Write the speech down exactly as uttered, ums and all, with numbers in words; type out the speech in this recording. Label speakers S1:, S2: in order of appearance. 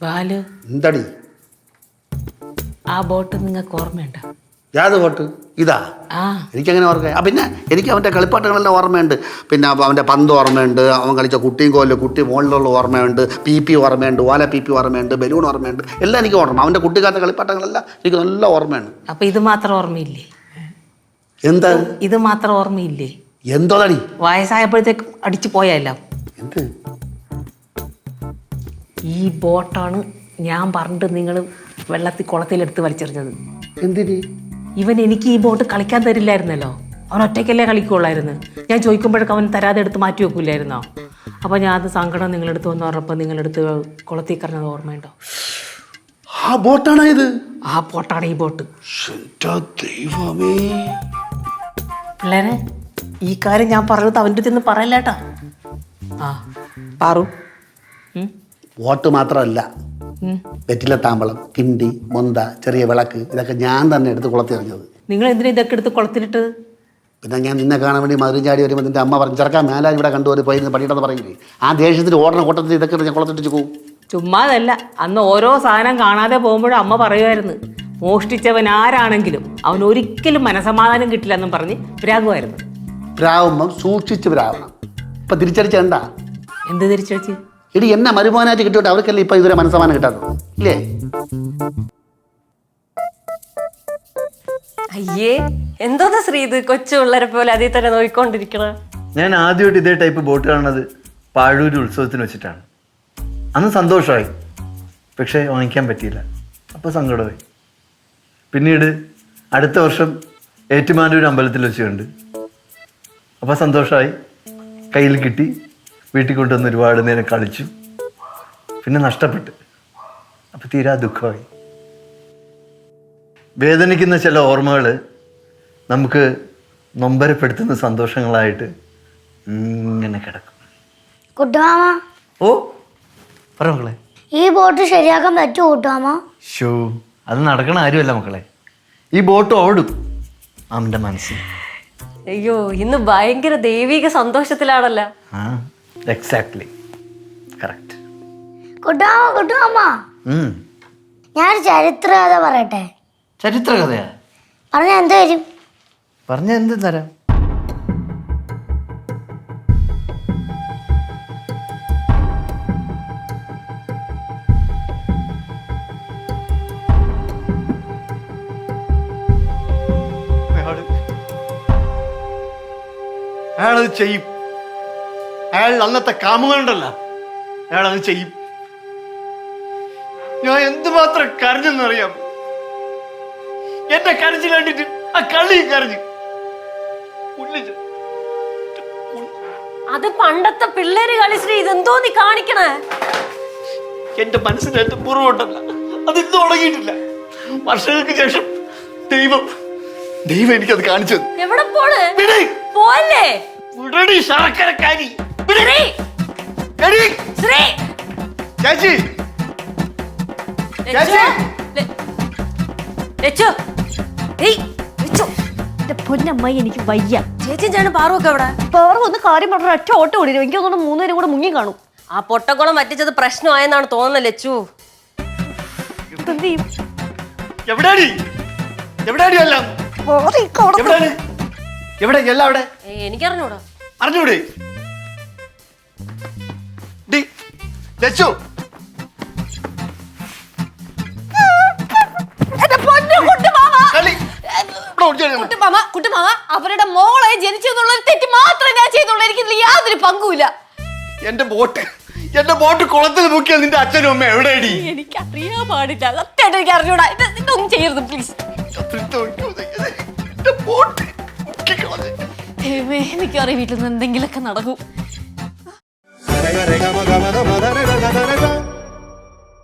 S1: ബാലു
S2: എന്തടി
S1: ആ ബോട്ട് നിങ്ങൾക്ക് ഓർമ്മയുണ്ടോ?
S2: യാത് ബോട്ട് ഇതാ?
S1: ആ
S2: എനിക്കങ്ങനെ ഓർമ്മ. ആ പിന്നെ എനിക്ക് അവൻ്റെ കളിപ്പാട്ടങ്ങളെല്ലാം ഓർമ്മയുണ്ട്. പിന്നെ അവൻ്റെ പന്ത് ഓർമ്മയുണ്ട്, അവൻ കളിച്ച കുട്ടിയും കോല്, കുട്ടി മുകളിലുള്ള ഓർമ്മയുണ്ട്, പി പി ഓർമ്മയുണ്ട്, ഓല പി പി ഓർമ്മയുണ്ട്, ബലൂൺ ഓർമ്മയുണ്ട്, എല്ലാം എനിക്ക് ഓർമ്മ. അവൻ്റെ കുട്ടിക്കാലത്തെ കളിപ്പാട്ടങ്ങളെല്ലാം എനിക്ക് നല്ല ഓർമ്മയാണ്.
S1: അപ്പൊ ഇത് മാത്രം ഓർമ്മയില്ലേ?
S2: എന്താ
S1: ഇത് മാത്രം ഓർമ്മയില്ലേ?
S2: എന്തോടി
S1: വയസ്സായപ്പോഴത്തേക്ക് അടിച്ചു പോയല്ലോ.
S2: എന്ത്
S1: ഈ ബോട്ടാണ് ഞാൻ പറഞ്ഞിട്ട് നിങ്ങൾ വെള്ളത്തിൽ കുളത്തിലെടുത്ത് വലിച്ചെറിഞ്ഞത്.
S2: എന്തിന്?
S1: ഇവൻ എനിക്ക് ഈ ബോട്ട് കളിക്കാൻ തരില്ലായിരുന്നല്ലോ. അവൻ ഒറ്റയ്ക്കല്ലേ കളിക്കുള്ളായിരുന്നു. ഞാൻ ചോദിക്കുമ്പോഴൊക്കെ അവൻ തരാതെ എടുത്ത് മാറ്റി വെക്കില്ലായിരുന്നോ? അപ്പോൾ ഞാൻ അത് സങ്കടം നിങ്ങളെടുത്ത് വന്ന് പറഞ്ഞപ്പോൾ നിങ്ങളെടുത്ത് കുളത്തിൽ കറഞ്ഞത് ഓർമ്മയുണ്ടോ?
S2: ആ ബോട്ടാണോ ഇത്?
S1: ആ ബോട്ടാണ് ഈ ബോട്ട്.
S2: ദൈവമേ,
S1: പിള്ളേരെ ഈ കാര്യം ഞാൻ പറഞ്ഞത് അവൻ്റെ അടുത്ത് പറയല്ലേട്ടാ. ആ പാറു
S2: ബോട്ട് മാത്രമല്ല, വെറ്റില താമ്പളം, കിണ്ടി, മൊന്ത, ചെറിയ വിളക്ക്, ഇതൊക്കെ ഞാൻ തന്നെ എടുത്ത് കുളത്തിറങ്ങിയത്.
S1: നിങ്ങൾ എന്തിനാ ഇതൊക്കെ എടുത്ത് കുളത്തിലിട്ടത്?
S2: പിന്നെ ഞാൻ നിന്നെ കാണാൻ വേണ്ടി മധുരം ചാടി വരുമ്പോൾ നിന്റെ അമ്മ പറഞ്ഞു ചെറുക്കാൻ മേലാൻ ഇവിടെ കണ്ടുപോയി പോയി പണിയിട്ടെന്ന് പറയില്ലേ? ആ ദേഷ്യത്തിൽ ഓടണ കൂട്ടത്തിൽ ഇതൊക്കെ ഞാൻ കുളത്തിട്ട് പോകും.
S1: ചുമ്മാതല്ല, അന്ന് ഓരോ സാധനം കാണാതെ പോകുമ്പോഴും അമ്മ പറയുമായിരുന്നു, മോഷ്ടിച്ചവൻ ആരാണെങ്കിലും അവൻ ഒരിക്കലും മനസമാധാനം കിട്ടില്ല എന്നും പറഞ്ഞ് പ്രാകുമായിരുന്നു.
S2: പ്രാവുമ്പം സൂക്ഷിച്ച് പ്രാവണം. ഇപ്പം തിരിച്ചടിച്ചേണ്ട.
S1: എന്ത് തിരിച്ചടിച്ച്?
S2: ഇടി എന്നെ മരുമോനായിട്ട് കിട്ടിയിട്ട് അവർക്കല്ലേ ഇപ്പം ഇതുവരെ മനസ്സമാനം കിട്ടാത്തത് ഇല്ലേ?
S3: അയ്യേ, എന്തോന്നാ ശ്രീ ഇത് കൊച്ചു പിള്ളേരെ പോലെ അതിൽ തന്നെ നോയിക്കൊണ്ടിരിക്കണ.
S4: ഞാൻ ആദ്യമായിട്ട് ഇതേ ടൈപ്പ് ബോട്ട് കാണുന്നത് പാഴൂര് ഉത്സവത്തിന് വെച്ചിട്ടാണ്. അന്ന് സന്തോഷമായി, പക്ഷേ വാങ്ങിക്കാൻ പറ്റിയില്ല. അപ്പോൾ സങ്കടമായി. പിന്നീട് അടുത്ത വർഷം ഏറ്റുമാനൂർ അമ്പലത്തിൽ വെച്ച് കണ്ട്. അപ്പോൾ സന്തോഷമായി, കയ്യിൽ കിട്ടി, വീട്ടിൽ കൊണ്ടുവന്ന് ഒരുപാട് നേരം കളിച്ചു. പിന്നെ നഷ്ടപ്പെട്ട്. അപ്പോൾ തീരാ ദുഃഖമായി. വേദനിക്കുന്ന ചില ഓർമ്മകൾ നമുക്ക് നൊമ്പരപ്പെടുത്തുന്ന സന്തോഷങ്ങളായിട്ട് ഇങ്ങനെ കിടക്കും.
S5: കുട്ടുമാമ,
S4: ഓ പറ മക്കളെ.
S5: ഈ ബോട്ട് ശരിയാക്കാൻ പറ്റുമോ കുട്ടുമാമ?
S4: ഷോ, അത് നടക്കണ കാര്യമല്ല മക്കളെ. ഈ ബോട്ട് ഓടും അവൻ്റെ മനസ്സിൽ.
S3: അയ്യോ, ഇന്ന് ഭയങ്കര ദൈവിക സന്തോഷത്തിലാണല്ലോ.
S4: ആ എക്സാക്ട്ലി കറക്റ്റ്.
S5: കുട്ടുമാമ കുട്ടുമാമ ഞാൻ ചരിത്ര കഥ പറയട്ടെ.
S4: ചരിത്ര കഥയാ?
S5: പറഞ്ഞ എന്ത് വരും?
S4: പറഞ്ഞ എന്ത് തരാം.
S6: അയാളത് ചെയ്യും. അയാൾ അന്നത്തെ കാമുകനുണ്ടല്ലോ, അയാളത് ചെയ്യും. ഞാൻ എന്തുമാത്രം കരഞ്ഞെന്നറിയാം. എന്റെ കരഞ്ഞു കണ്ടിട്ട് ആ കള്ളി കരഞ്ഞു.
S3: അത് പണ്ടത്തെ പിള്ളേര് കളി ശ്രീ. ഇതെന്തോ നീ കാണിക്കണേ?
S6: എന്റെ മനസ്സിനേറ്റ പൂർവ്വമുണ്ടല്ല, അത് ഇന്ന് തുടങ്ങിയിട്ടില്ല. വർഷങ്ങൾക്ക് ശേഷം ദൈവം ദൈവം എനിക്കത് കാണിച്ചത്.
S3: എവിടെ പോണ്? പോവല്ലേ?
S6: ശർക്കരക്കാരി
S3: ശ്രീ
S6: ചേച്ചി,
S3: പൊന്നമ്മായി എനിക്ക് വയ്യ. ചേച്ചി ഞാൻ പാറുവൊക്കെ എവിടെ? പാറു ഒന്ന് കാര്യം പറഞ്ഞ ഒറ്റ ഓട്ടം ഓടിരും. എനിക്ക് തോന്നുന്നു മൂന്നുപേരും കൂടെ മുങ്ങി കാണും. ആ പൊട്ടക്കുളം പറ്റിച്ചത് പ്രശ്നമായെന്നാണ് തോന്നുന്നത് ലച്ചു. എന്ത് ചെയ്യും?
S6: എവിടെയാടി എവിടെയാടി എല്ലാം എവിടെ എല്ലാം അവിടെ
S3: എനിക്കറിഞ്ഞൂടാ.
S6: അറിഞ്ഞൂടെ? ലച്ചു,
S3: അവരുടെ മോളെ ജനിച്ചെന്നുള്ള തെറ്റ് മാത്രമേ ഞാൻ ചെയ്തുള്ളൂ. എനിക്ക് യാതൊരു പങ്കുമില്ല.
S6: എന്റെ ബോട്ട് എന്റെ ബോട്ട് കുളത്തിൽ മുക്കിയ നിന്റെ അച്ഛനും അമ്മ എവിടെയാടി?
S3: എനിക്ക് അറിയാൻ പാടില്ല. സത്യമായിട്ട് എനിക്ക് അറിഞ്ഞൂടാ. ഇതൊന്നും ചെയ്യരുത് പ്ലീസ്. എനിക്കറിയാം വീട്ടിൽ നിന്ന് എന്തെങ്കിലുമൊക്കെ നടക്കും.